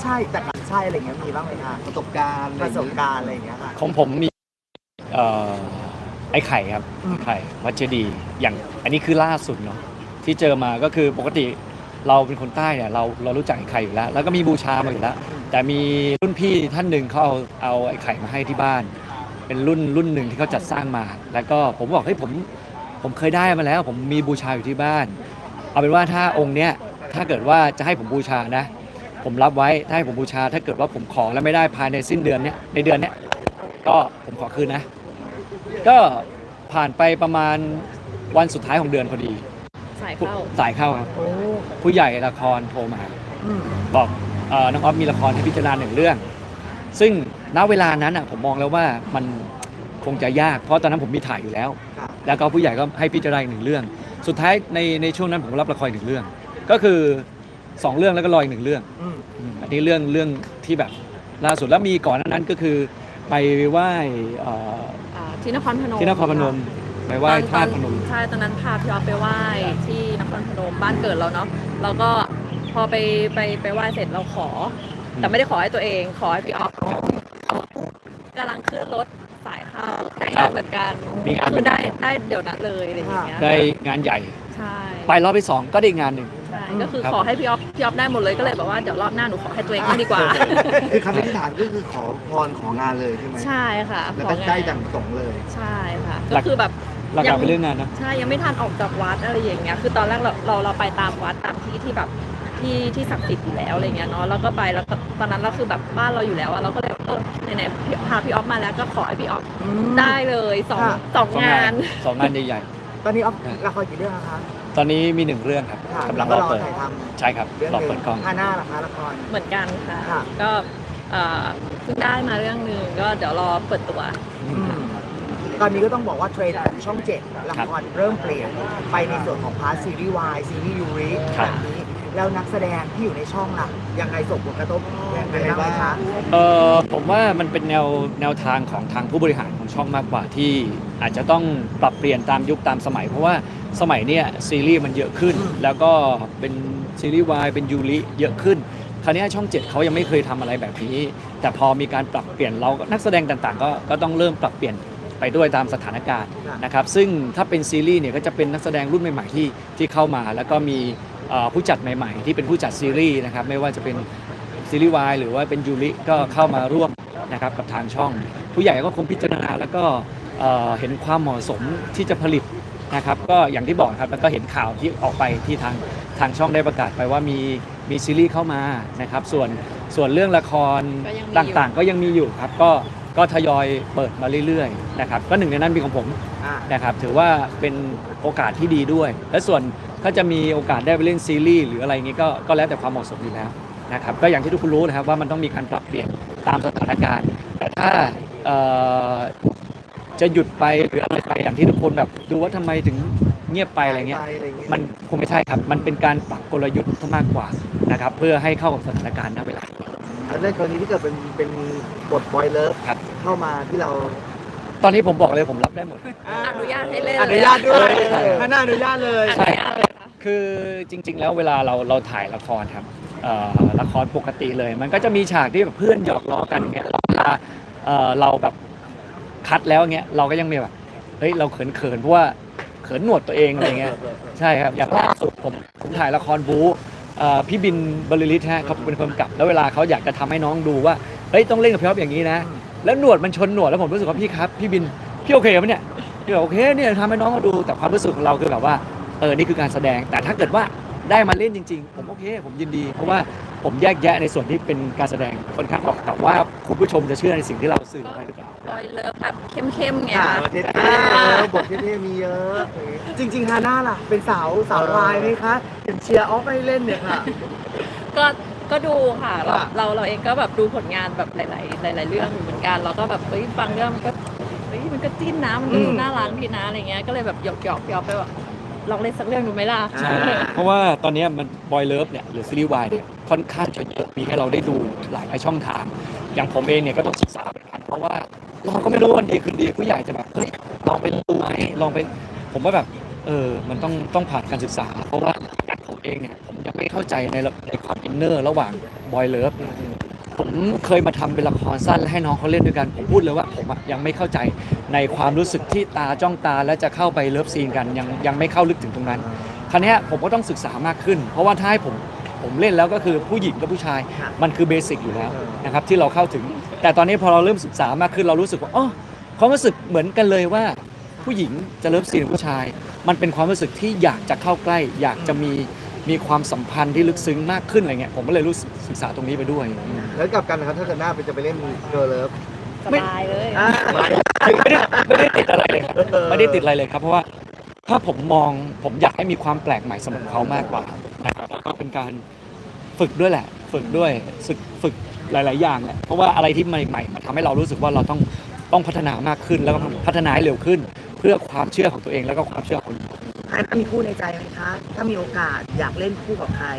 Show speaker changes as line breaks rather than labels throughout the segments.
ใช่แต่ใช่อะไรเงี้ยมีบ้างไหมคะ
ประสบการณ์
อะไรเงี้ยค่ะ
ของผมมีเอ่อไอ้ไข่ครับไข่วัดเจดีย์อย่างอันนี้คือล่าสุดเนาะที่เจอมาก็คือปกติเราเป็นคนใต้เนี่ยเรารู้จักไอ้ไข่อยู่แล้วแล้วก็มีบูชามาอยู่แล้วแต่มีรุ่นพี่ท่านหนึ่งเขาเอาไอ้ไข่มาให้ที่บ้าน เป็นรุ่นหนึ่งที่เขาจัดสร้างมา แล้วก็ผมบอกเฮ้ยผมเคยได้มาแล้วผมมีบูชาอยู่ที่บ้านเอาเป็นว่าถ้าองค์เนี้ยถ้าเกิดว่าจะให้ผมบูชานะผมรับไว้ถ้าให้ผมบูชาถ้าเกิดว่าผมขอแล้วไม่ได้ภายในสิ้นเดือนเนี้ยในเดือนเนี้ยก็ผมขอคืนนะก็ผ่านไปประมาณวันสุดท้ายของเดือนพอดี
สายเข้า
ครับผู้ใหญ่ละครโทรมาบอกน้องออฟมีละครให้พิจารณา1 เรื่องซึ่งณเวลานั้นผมมองแล้วว่ามันคงจะยากเพราะตอนนั้นผมมีถ่ายอยู่แล้วแล้วก็ผู้ใหญ่ก็ให้พิจารณา1 เรื่องสุดท้ายในช่วงนั้นผมรับละคร1 เรื่องก็คือ2 เรื่องแล้วก็รออีก1 เรื่องอันนี้เรื่องที่แบบล่าสุดแล้วมีก่อนนั้นก็คือไปไหว้
ที่นครพนม
ไปไหว้ธาตุพนม
ใช่ตอนนั้นพาพี่ออฟไปไหว้ที่นครพนมบ้านเกิดเราเนาะแล้วก็พอไปไหว้เสร็จเราขอแต่ไม่ได้ขอให้ตัวเองขอให้พี่ออฟกำลังขึ้นรถสายเข้าได้เหมือนกันคือได้เดี๋ยวนั้นเลยอะไรอย่างเงี้ย
ได้งานใหญ่
ใช่
ไปรอบที่2ก็ได้งานหนึ่ง
ใช่ก็คือขอให้พี่ออฟได้หมดเลยก็เลยแบบว่าเดี๋ยวรอบหน้าหนูขอให้ตัวเองดีกว่า
คือคำอธิษฐานก็คือขอพรของานเลยใช่ไหม
ใช่ค่ะ
แล้วก็ได้ดังประสงค์เลย
ใช่ค่ะก็คือแบบ
หลักๆเป็นเรื่องงานนะ
ใช่ยังไม่ทันออกจากวัดอะไรอย่างเงี้ยคือตอนแรกเราไปตามวัดตามที่แบบที่ศักดิ์สิทธิ์อยู่แล้วอะไรเงี้ยเนาะแล้วก็ไปแล้วตอนนั้นเราคือแบบบ้านเราอยู่แล้วอะเราก็เลยไหนพาพี่ออฟมาแล้วก็ขอให้พี่ออฟได้เลยสองงาน
ใหญ่
ๆตอนนี้ออฟละครกี่เรื่องคะ
ตอนนี้มี1 เรื่องครับกำลังรอเปิดใช่ครับรอเปิดกล้อง
หน้าละคะละคร
เหมือนกันค่ะก็เพิ่งได้มาเรื่องนึงก็เดี๋ยวรอเปิดตัว
ตอนนี้ก็ต้องบอกว่าเทรนด์ของช่อง7ละครเริ่มเปลี่ยนไปในส่วนของพาร์ทซีรีส์วายซีรีส์ยูริแบบนี้แล้วนักแสดงที่อยู่ในช่องล่ะยังไงส่งผลกระทบยังไงบ้างคะ
ผมว่ามันเป็นแนวทางของทางผู้บริหารของช่องมากกว่าที่อาจจะต้องปรับเปลี่ยนตามยุคตามสมัยเพราะว่าสมัยเนี้ยซีรีส์มันเยอะขึ้นแล้วก็เป็นซีรีส์วายเป็นยูริเยอะขึ้นคราวนี้ช่อง7เขายังไม่เคยทำอะไรแบบนี้แต่พอมีการปรับเปลี่ยนเรานักแสดงต่างๆก็ต้องเริ่มปรับเปลี่ยนไปด้วยตามสถานการณ์นะครับซึ่งถ้าเป็นซีรีส์เนี่ยก็จะเป็นนักแสดงรุ่นใหม่ๆที่เข้ามาแล้วก็มีผู้จัดใหม่ๆที่เป็นผู้จัดซีรีส์นะครับไม่ว่าจะเป็นซีรีส์วายหรือว่าเป็นยูริก็เข้ามาร่วมนะครับกับทางช่องผู้ใหญ่ก็คงพิจารณาแล้วก็เห็นความเหมาะสมที่จะผลิตนะครับก็อย่างที่บอกครับแล้วก็เห็นข่าวที่ออกไปที่ทางช่องได้ประกาศไปว่ามีซีรีส์เข้ามานะครับส่วนเรื่องละครต่างๆก็ยังมีอยู่ครับก็ทยอยเปิดมาเรื่อยๆนะครับก็หนึ่งในนั้นมีของผมนะครับถือว่าเป็นโอกาสที่ดีด้วยและส่วนถ้าจะมีโอกาสได้ไปเล่นซีรีส์หรืออะไรเงี้ยก็แล้วแต่ความเหมาะสมอยู่แล้วนะครับก็อย่างที่ทุกคนรู้นะครับว่ามันต้องมีการปรับเปลี่ยนตามสถานการณ์แต่ถ้าจะหยุดไปหรืออะไรไปอย่างที่ทุกคนแบบดูว่าทำไมถึงเงียบไปอะไรเงี้ยมันคงไม่ใช่ครับมันเป็นการปรับกลยุทธ์มากกว่านะครับเพื่อให้เข้ากับสถานการณ์ณเวลา
ในกรณีที่เกิดเป็นบทบอยเลิฟเข้ามาที่เรา
ตอนนี้ผมบอกเลยผมรับได้หมด
อนุญาตให้เล่น
อนุญาตด้วยถ้าน่าอนุญาตเลย
ใช่คือจริงๆแล้วเวลาเราถ่ายละครครับละครปกติเลยมันก็จะมีฉากที่แบบเพื่อนหยอกล้อกันเงี้ยเวลาเราแบบคัดแล้วเงี้ยเราก็ยังมีแบบเฮ้ยเราเขินเพราะว่าเขินหนวดตัวเองอะไรเงี้ยใช่ครับอย่างล่าสุดผมถ่ายละครบู๊พี่บินบรรลือฤทธิ์ฮะเขาเป็นคนกำกับแล้วเวลาเขาอยากจะทำให้น้องดูว่าเฮ้ยต้องเล่นกับพี่อ๊อฟอย่างนี้นะแล้วหนวดมันชนหนวดแล้วผมรู้สึกว่าพี่ครับพี่บินพี่โอเคไหมเนี่ยพี่บอกโอเคเนี่ยทำให้น้องเขาดูแต่ความรู้สึกของเราคือแบบว่านี่คือการแสดงแต่ถ้าเกิดว่าได้มาเล่นจริงๆผมโอเคผมยินดีเพราะว่าผมแยกแยะในส่วนที่เป็นการแสดงค่อนข้างออกแต่ว่าคุณผู้ชมจะเชื่อในสิ่งที่เราสื่อไปหรือเปล่า
บอยเลิฟแบบเข้มๆไง
บทเท่ๆมีเยอะจริงๆฮาน่าล่ะเป็นสาววายไหมคะเห็นเชียร์ออฟให้เล่นเนี่ยค่ะ
ก็ดูค่ะเราเองก็แบบดูผลงานแบบหลายเรื่องเหมือนกันเราก็แบบฟังเรื่องมันก็จิ้นนะมันดูน่ารักดีนะอะไรเงี้ยก็เลยแบบหยอกไปแบบลองเล่นสักเรื่องดูไหมล่ะ
ใช่เพราะว่าตอนนี้มันบอยเลิฟเนี่ยหรือซีรีส์วายเนี่ยค่อนข้างจะเยอะมีให้เราได้ดูหลายช่องทางอย่างผมเองเนี่ยก็ต้องศึกษาเหมือนกันเพราะว่าเราก็ไม่รู้วันดีคืนดีผู้ใหญ่จะแบบเฮ้ยลองไปดูไหมลองไปผมว่าแบบมันต้องผ่านการศึกษาเพราะว่าผมเองเนี่ยผมยังไม่เข้าใจในความอินเนอร์ระหว่างบอยเลิฟผมเคยมาทำเป็นละครสั้นและให้น้องเขาเล่นด้วยกันผมพูดเลยว่าผมอะยังไม่เข้าใจในความรู้สึกที่ตาจ้องตาและจะเข้าไปเลิฟซีนกันยังไม่เข้าลึกถึงตรงนั้นคราวเนี้ยผมก็ต้องศึกษามากขึ้น เพราะว่าถ้าให้ผมเล่นแล้วก็คือผู้หญิงกับผู้ชายมันคือเบสิกอยู่แล้วนะครับที่เราเข้าถึง แต่ตอนนี้พอเราเริ่มศึกษามากขึ้นเรารู้สึกว่าอ๋อความรู้สึกเหมือนกันเลยว่าผู้หญิงจะเลิฟซีนกับผู้ชาย มันเป็นความรู้สึกที่อยากจะเข้าใกล้ อยากจะมีความสัมพันธ์ที่ลึกซึ้งมากขึ้นอะไรเงี้ยผมก็เลยรู้สึกศึกษาตรงนี้ไปด้วย
แล้วกลับกันนะครับถ้าเกิดหน้าจะไปเล่นเกิร์ลเลิฟ
สบายเลย
ไม่ได้ติดอะไรเลยครับไม่ได้ติดอะไรเลยครับเพราะว่าถ้าผมอยากให้มีความแปลกใหม่สำหรับเขามากกว่านะครับแล้วก็เป็นการฝึกด้วยแหละฝึกด้วยฝึกหลาย ๆ อย่างแหละเพราะว่าอะไรที่ใหม่ๆมันทำให้เรารู้สึกว่าเราต้องพัฒนามากขึ้นแล้วก็พัฒนาให้เร็วขึ้น เพื่อความเชื่อของตัวเองแล้วก็ความเชื่อของคนอื่น
อันมีคู่ในใจไหมคะ ถ้ามีโอกาสอยากเล่นคู่กับใคร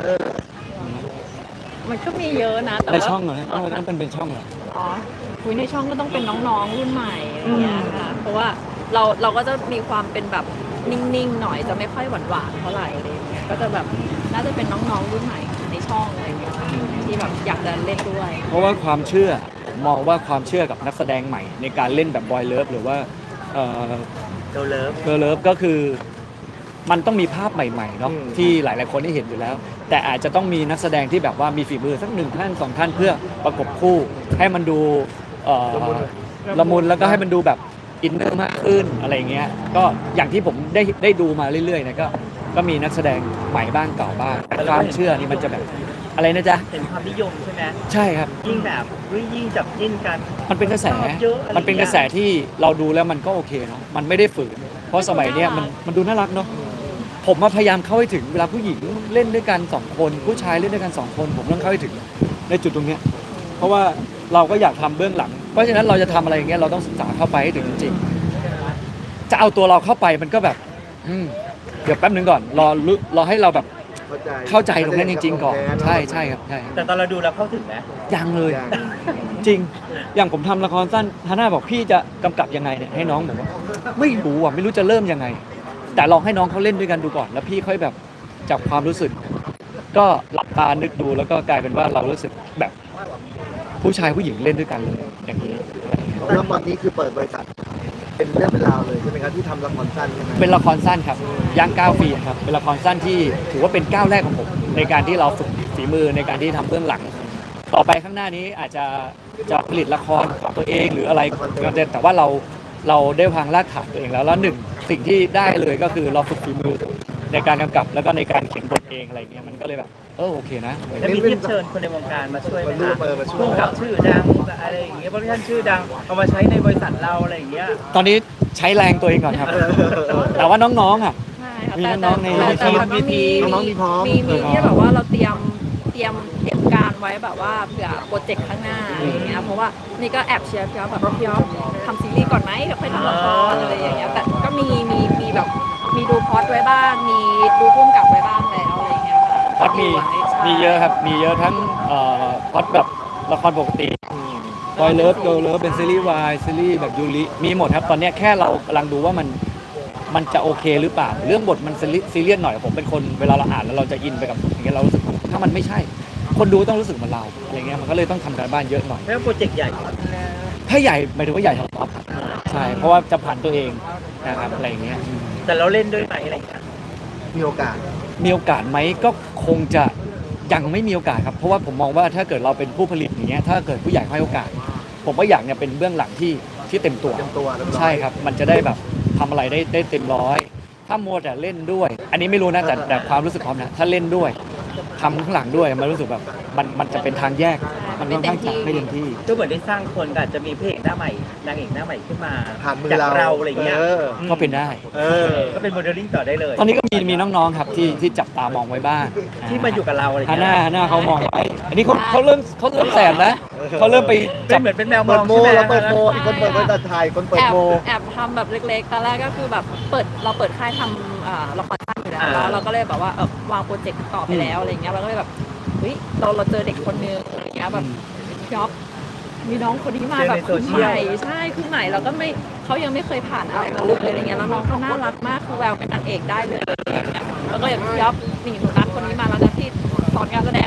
มันก็มีเยอะนะแต่
ใน
ว่า
ช่องเหรอฮะต้องเป็นช่องเหรอ
อ๋อคุยในช่องก็ต้องเป็นน้องๆรุ่นใหม่อะไรเงี้ยค่ะเพราะว่าเราก็จะมีความเป็นแบบนิ่งๆหน่อยจะไม่ค่อยหวานๆเท่าไหร่อะไรเงี้ยก็จะแบบน่าจะเป็นน้องๆรุ่นใหม่ในช่องอะไรเงี้ยค่ะที่แบบอยากจะเล่นด้วย
เพราะว่าความเชื่อผมมองว่าความเชื่อกับนักแสดงใหม่ในการเล่นแบบบอยเลิฟหรือว่าเ
เกิร์ลเลิฟ
กิร์ลเลิฟก็คือมันต้องมีภาพใหม่ๆเนาะที่หลายๆคนได้เห็นอยู่แล้ว แต่อาจจะต้องมีนักแสดงที่แบบว่ามีฝีมือสัก1 ท่าน 2 ท่านเพื่อประกบคู่ให้มันดูละมุนแล้วก็ให้มันดูแบบอินเนอร์มากขึ้นอะไรเงี้ยก็อย่างที่ผมได้ดูมาเรื่อยๆนะก็มีนักแสดงใหม่บ้างเก่าบ้างแต่ความเชื่อนี่มันจะแบบอะไรนะจ๊ะ
เห็นความนิยมใช่ไหม
ใช่ครับ
ยิ่งแบบยิ่งจับจิ้นกัน
มันเป็นกระแส
เยอะอะไร
มันเป็นกระแสที่เราดูแล้วมันก็โอเคเนาะ มันไม่ได้ฝืน เพราะสมัยเนี้ยมันดูน่ารักเนาะ ผมมาพยายามเข้าให้ถึงเวลาผู้หญิงเล่นด้วยกัน2 คนผู้ชายเล่นด้วยกัน2 คนผมต้องเข้าให้ถึงในจุดตรงเนี้ย เพราะว่าเราก็อยากทำเบื้องหลัง เพราะฉะนั้นเราจะทำอะไรอย่างเงี้ยเราต้องศึกษาเข้าไปให้ถึงจริงๆจะเอาตัวเราเข้าไปมันก็แบบเดี๋ยวแป๊บนึงก่อนรอให้เราแบบเข้าใจตรงนั้นจริงๆก่อนใช่ครับใช่
แต่ตอนเราดูแล้วเข้าถึงไหม
ยังเลยจริงอย่างผมทำละครสั้นฮาน่าบอกพี่จะกำกับยังไงเนี่ยให้น้องบอกว่าไม่รู้อ่ะไม่รู้จะเริ่มยังไง แต่ลองให้น้องเขาเล่นด้วยกันดูก่อนแล้วพี่ค่อยแบบจับความรู้สึก ก็หลับตานึกดูแล้วก็กลายเป็นว่าเรารู้สึกแบบผู้ชายผู้หญิงเล่นด้วยกันเลยอย่างนี้
แล้วตอนนี้คือเปิดบริษัทเป็นเรื่องเป็นราวเลยใช่ไหมครับที่ทำละครสั้นใช่ไหม
เป็นละครสั้นครับย่างก้าวปีครับเป็นละครสั้นที่ถือว่าเป็นก้าวแรกของผมในการที่เราฝึกฝีมือในการที่ทำเบื้องหลัง ต่อไปข้างหน้านี้อาจจะผลิตละครของตัวเองหรืออะไรก็ได้แต่ว่าเราได้วางรากฐานตัวเองแล้วหนึ่งสิ่งที่ได้เลยก็คือเราฝึกฝีมือในการกำกับแล้วก็ในการเขียนบทเองอะไรเงี้ยมันก็เลยแบบโอเคนะ
แล้วมีที่เชิญคนในวงการมาช่วยไหม
มาร่วม
คะ
มาช่วย
ผู้กำกับชื่อดังอะไรอย่างเงี้ยโปรดักชั่นชื่อดังเอามาใช้ในบริษัทเราอะไรอย่างเงี้ย
ตอนนี้ใช้แรงตัวเองก่อนครับ แต่ว่าน้องๆอ่ะ
ใช่ค่ะ
มี
แต่
น้องๆใน
แต่มันก็มี
น้องๆมีพร้อม
มีที่แบบว่าเราเตรียมการไว้แบบว่าเผื่อโปรเจกต์ข้างหน้าอะไรอย่างเงี้ยเพราะว่านี่ก็แอบเชียร์พี่อ๊อฟแบบพี่อ๊อฟทำซีรีส์ก่อนไหมเดี๋ยวค่อยทำละครอะไรอย่างเงี้ยแต่ก็มีแบบมีดูพล็อตไว้บ้าง มีดูพุ่มกับไว้บ้างแล้วอะไรอย่างเงี้ยค่ะ
พล็อดมี
ใช่
เยอะครับมีเยอะทั้งพล็อดแบบละครปกติบอยเลิฟเกิร์ลเลิฟเป็นซีรีส์วายซีรีส์แบบยูริมีหมดครับตอนเนี้ยแค่เรากำลังดูว่ามันจะโอเคหรือเปล่าเรื่องบทมันซีเรียสหน่อยผมเป็นคนเวลาเราอ่านแล้วเราจะอินไปกับบทอย่างเงี้ยเรารู้สึกถ้ามันไม่ใช่ คนดูต้องรู้สึกเหมือนเราอะไรเงี้ยมันก็เลยต้องทำการบ้านเยอะหน่อย
แล้วโปรเจกต์ใหญ่
ถ้าใหญ่หมายถึงว่าใหญ่ทั้งท็อปใช่เพราะว่าจะผ่านตัวเองนะครับอะไรอย่างเงี้ย
แต่เราเล่นด้วยไหมอะไรอย่างเงี้ย
มีโอกาส
มีโอกาสไหมก็คงจะยังไม่มีโอกาสครับเพราะว่าผมมองว่าถ้าเกิดเราเป็นผู้ผลิตอย่างเงี้ยถ้าเกิดผู้ใหญ่ให้โอกาส ผมก็อยากเนี่ยเป็นเบื้องหลังที่เต็มตัว
เต็มตัวเรียบร้อย
ใช่ครับมันจะได้แบบทำอะไรได้เต็มร้อยถ้ามัวแต่เล่นด้วย อันนี้ไม่รู้นะแต่ความรู้สึกพร้อมนะถ้าเล่นด้วยทำข้างหลังด้วยมันรู้สึกแบบมันจะเป็นทางแยกมันค่อนข้างจะไม่เต็มที่
ก็เหมือนได้สร้างคนก็อาจจะมีพระเอกหน้าใหม่นางเอกหน้าใหม่ขึ้นมา
ผ่านมือ
จาก
เรา
เราอะไรอย่างเงี้ย
ก็เป็นได้
ก็เป็นโมเดลลิ่งต่อได้เลย
ตอนนี้ก็มีน้องๆครับที่จับตามองไว้บ้าง
ที่มาอยู่กับเราอะไรอย่าง
ฮา
เงี้ย
น่าเขามองไว้อันนี้เขาเริ่มแสบนะเขาเริ่มไป
เป็
จั
น
บ
เหมือนเป็นแมวม
เปิ
อ
ด
ง
โม
ใช่ไหม
เราเปิดโมอีกคนเปิดบริษัทไทยคนเปิดโม
แอบทำแบบเล็กๆตอนแรกก็คือแบบเราเปิดค่ายทำละครสั้นอยู่แล้วแล้วเราก็เลยแบบว่าวางโปรเจกต์ต่อไปแล้วอะไรเงี้ยเราก็เลยแบบเฮ้ยเราเจอเด็กคนนึงอะไรเงี้ยแบบพี่อ๊อฟมีน้องคนนี้มาแบบคือใหม่ใช่คือใหม่เราก็ไม่เขายังไม่เคยผ่านอะไรมาเลยอะไรเงี้ยแล้วน้องเขาน่ารักมากคือแววเป็นนางเอกได้เลยอะไรเงี้ยแล้วก็อย่างพี่อ๊อฟนี่หนูนัดคนนี้มาแล้วนะที่สอนการแสดง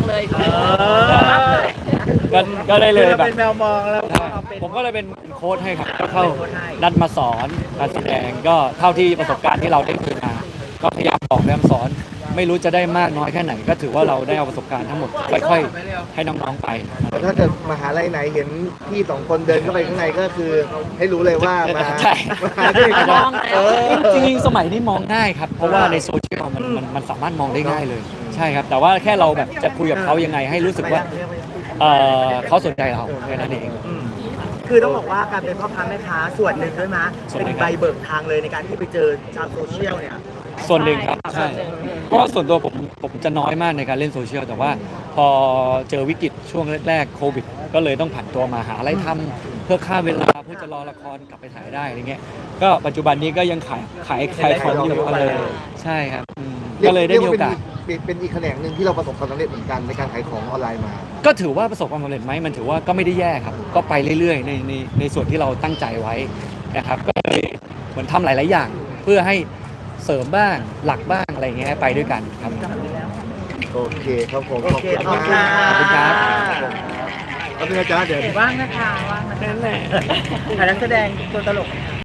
เลย
ก็ได้เลย
เรา
แบบ
เป็นแมวมองแล้ว
ใช่
เราเป็น
ผมก็เลยเป็นโค้ชให้ครับก็เข้า
เป็นโค้ชให้
นัดมาสอนการแสดงก็เท่าที่ประสบการณ์ที่เราได้มีมา ก็พยายามบอกพยายามสอน ไม่รู้จะได้มากน้อยแค่ไหน ก็ถือว่าเราได้เอาประสบการณ์ทั้งหมดค่อยๆให้น้องๆไป
แต่ถ้าเกิดมหาลัยไหนเห็นพี่สองคนเดินเข้าไปข้างในก็คือให้รู้เลยว่ามา
ใช่
มาด้วยกัน
มองแล้ว
จริงๆสมัยนี้มองง่ายครับ เพราะว่าในโซเชียลมันสามารถมองได้ง่ายเลย ใช่ครับ แต่ว่าแค่เราแบบจะคุยกับเขายังไงให้รู้สึกว่าเขาสนใจเราแค่นั้นเอง
คือต้องบอกว่าการเป็นพ่อค้าแม่ค้าส่วนหนึ่งด้วยมั้ย
ส่วนหนึ่
เป็น
ง
ใบเบิกทางเลยในการที่ไปเจอชาวโซเชียลเนี่ย
ส่วนหนึ่งครับใช่เพราะว่าส่วนตัวผมจะน้อยมากในการเล่นโซเชียลแต่ว่าพอเจอวิกฤตช่วงแรกๆโควิด ก็เลยต้องผันตัวมาหาอะไรทำเพื่อฆ่าเวลาเพื่อจะรอละครกลับไปถ่ายได้อะไรเงี้ยก็ปัจจุบันนี้ก็ยังขายของอยู่เลยใช่ครับก็เลยได้มีโอกาส
เป็นอีกแขนงหนึ่งที่เราประสบความสำเร็จเหมือนกันในการขายของออนไลน์มา
ก็ถือว่าประสบความสำเร็จไหมมันถือว่าก็ไม่ได้แย่ครับก็ไปเรื่อยๆในส่วนที่เราตั้งใจไว้นะครับก็เลยเหมือนทำหลายๆอย่าง เพื่อให้เสริมบ้างหลักบ้างอะไรเงี้ยให้ไปด้วยกันครับ
โอเคครับผม
โอเค
ขอบคุณ
ขอบคุณ
มาก
ครับ
ขอบคุณอาจารย์เดี๋ยว
ว่างนะคะว่างนะคะถ่ายนักแสดงตัวตลก